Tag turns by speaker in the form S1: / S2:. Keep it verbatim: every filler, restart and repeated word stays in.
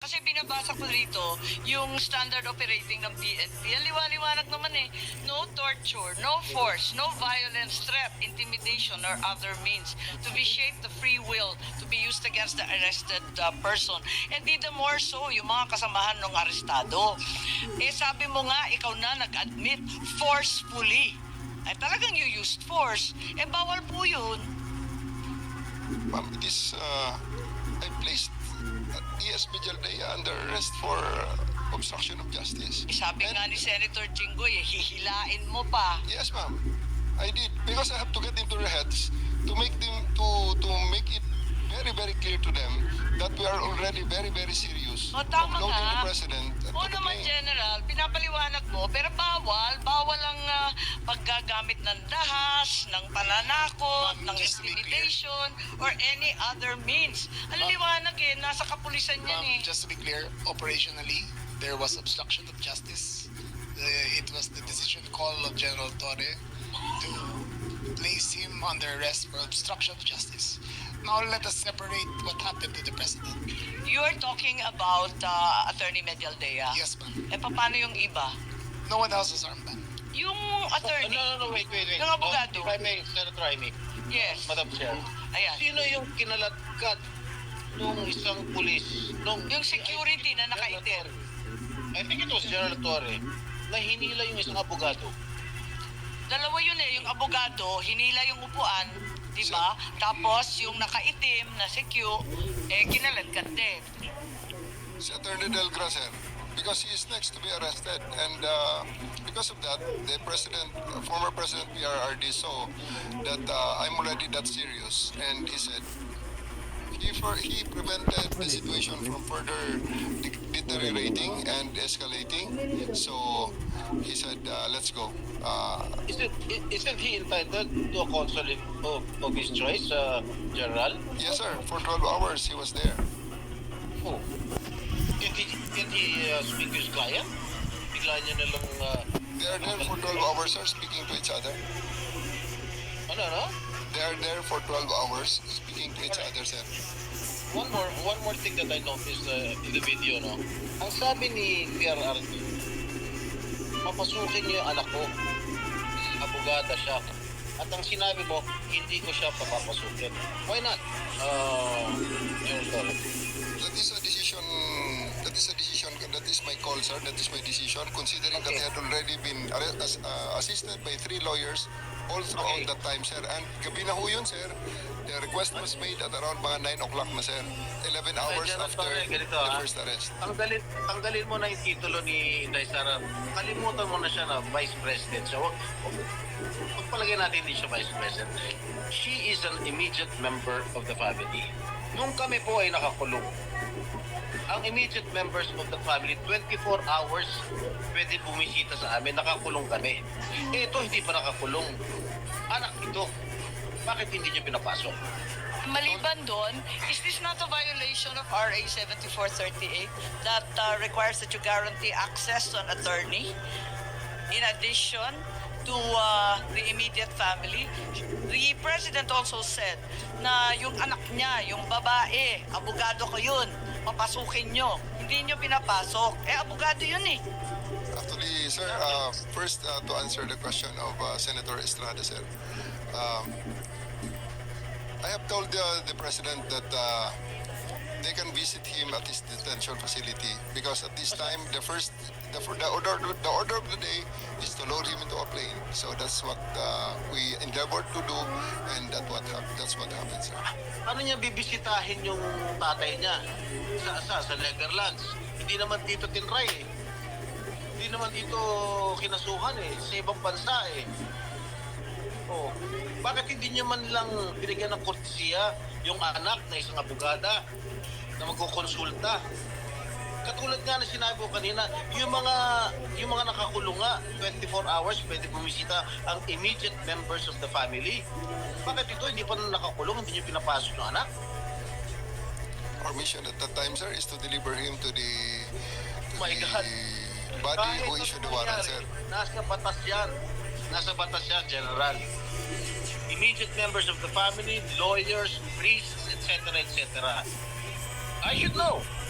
S1: Kasi binabasa ko rito yung standard operating ng P N P. Ang liwa-liwanag naman eh. No torture, no force, no violence, threat, intimidation, or other means to be shaped the free will to be used against the arrested uh, person. And di the more so, yung mga kasamahan ng arestado. Eh sabi mo nga, ikaw na nag-admit forcefully. Ay talagang you used force. Eh bawal po yun.
S2: Ma'am, it is, uh, I placed E S Vijaldea under arrest for uh, obstruction of justice.
S1: Eh, sabi
S2: And-
S1: nga ni Senator Jinggoy, eh, hihilain mo pa.
S2: Yes, ma'am. I did because I have to get into their heads to make them to to make it very very clear to them that we are already very very serious
S1: O, tama
S2: of loading
S1: nga.
S2: the president. and
S1: Oo
S2: to the
S1: naman,
S2: plane.
S1: General, pinapaliwanag mo, pero bawal, bawal ang ah, paggagamit ng dahas, ng pananakot,
S3: Ma'am,
S1: ng
S3: just to be clear.
S1: intimidation, or any other means. Ang
S3: Ma'am-
S1: liwanag eh, nasa kapulisan yan eh.
S3: Ma'am, just to be clear, operationally, there was obstruction of justice. Uh, it was the decision call of General Torre to place him under arrest for obstruction of justice. Now let us separate what happened to the president.
S1: You're talking about uh, Attorney Medialdea.
S3: Yes, ma'am.
S1: Eh, paano yung iba?
S3: No one else was armed, ma'am.
S1: Yung
S4: Oh,
S1: attorney,
S4: no, no, no, wait, wait, wait.
S1: Yung abogado.
S4: Oh, if I may, Senator Amy,
S1: yes.
S4: Madam Chair.
S1: Ayan.
S4: Sino yung kinalatkat nung isang pulis? Nung,
S1: Yung security na nakaitim.
S4: I think it was General Torre na hinila yung isang abogado.
S1: Dalawa yun eh, yung abogado, hinila yung upuan, di ba? Tapos yung nakaitim na si Q, eh kinaladkat din.
S2: Si Attorney Del Gra, sir, because he is next to be arrested, and uh, because of that, the president, uh, former president P R R D saw that uh, I'm already that serious, and he said he for he prevented the situation from further de- deteriorating and escalating. So he said, uh, "Let's go." Uh,
S4: Isn't, isn't he entitled to a counsel of, of his choice, uh, General?
S2: yes, sir. For twelve hours, he was there.
S4: Oh. Can he, can he uh, speak to his client? Bigla niya na lang, uh,
S2: They are there for twelve hours, sir, speaking to each other.
S4: ano, ano?
S2: They are there for twelve hours, speaking to each other, sir.
S4: One more, one more thing that I noticed uh, in the video, no? Ang sabi ni P R R D, papasukin niyo yung anak ko. Abogada siya. At ang sinabi mo, hindi ko siya papapasukin. Why not? Uh, General Torre.
S2: That is a decision. That is a decision. That is my call, sir. That is my decision. Considering that
S4: Okay.
S2: I had already been arre- as, uh, assisted by three lawyers all throughout
S4: Okay.
S2: that time, sir. And gabi na ho yun, sir. The request was made at around mga nine o'clock na, sir. eleven hours
S4: General
S2: after
S4: Torre, ganito,
S2: the
S4: ah.
S2: first arrest.
S4: Tanggalin, tanggalin mo na yung titulo ni Inday Sara. Kalimutan mo na siya na Vice President siya. Wag, wag, pagpalagay natin hindi siya Vice President. She is an immediate member of the family. Nung kami po ay nakakulong, ang immediate members of the family, twenty-four hours pwede bumisita sa amin, nakakulong kami. Eh, ito hindi pa nakakulong. Anak ito, bakit hindi niyo pinapasok?
S1: Maliban doon, is this not a violation of R A seventy-four thirty-eight that uh, requires that you guarantee access to an attorney in addition to uh, the immediate family? The president also said na yung anak niya, yung babae, abogado ko yun, papasukin nyo. Hindi nyo pinapasok. Eh, abogado yun eh.
S2: Actually, sir, uh, first uh, to answer the question of uh, Senator Estrada, sir. Um, I have told uh, the president that uh, they can visit him at his detention facility because at this time the first the, the order the order of the day is to load him into a plane. So that's what uh, we endeavored to do, and that what hap- that's what happened, sir.
S4: Ano niya bibisitahin yung tatay niya sa sa, sa Netherlands? Hindi naman dito tinray eh. Hindi naman dito kinasuhan eh. Sa ibang bansa eh. Oh, bakit hindi niya man lang binigyan ng kortesiya yung anak na isang abogada na magkukonsulta? Katulad nga na sinabi ko kanina, yung mga yung mga nakakulong nga, twenty-four hours pwede bumisita ang immediate members of the family. Bakit ito hindi pa nakakulong, hindi niyo pinapasok yung anak?
S2: Our mission at that time, sir, is to deliver him to the, to
S4: My
S2: the
S4: God.
S2: body
S4: Kahit
S2: who
S4: ano
S2: issued the warrant,
S4: mangyari,
S2: sir.
S4: Nasa batas yan. Nasa batas yan, General. Immediate members of the family, lawyers, priests, et cetera, et cetera. I should know.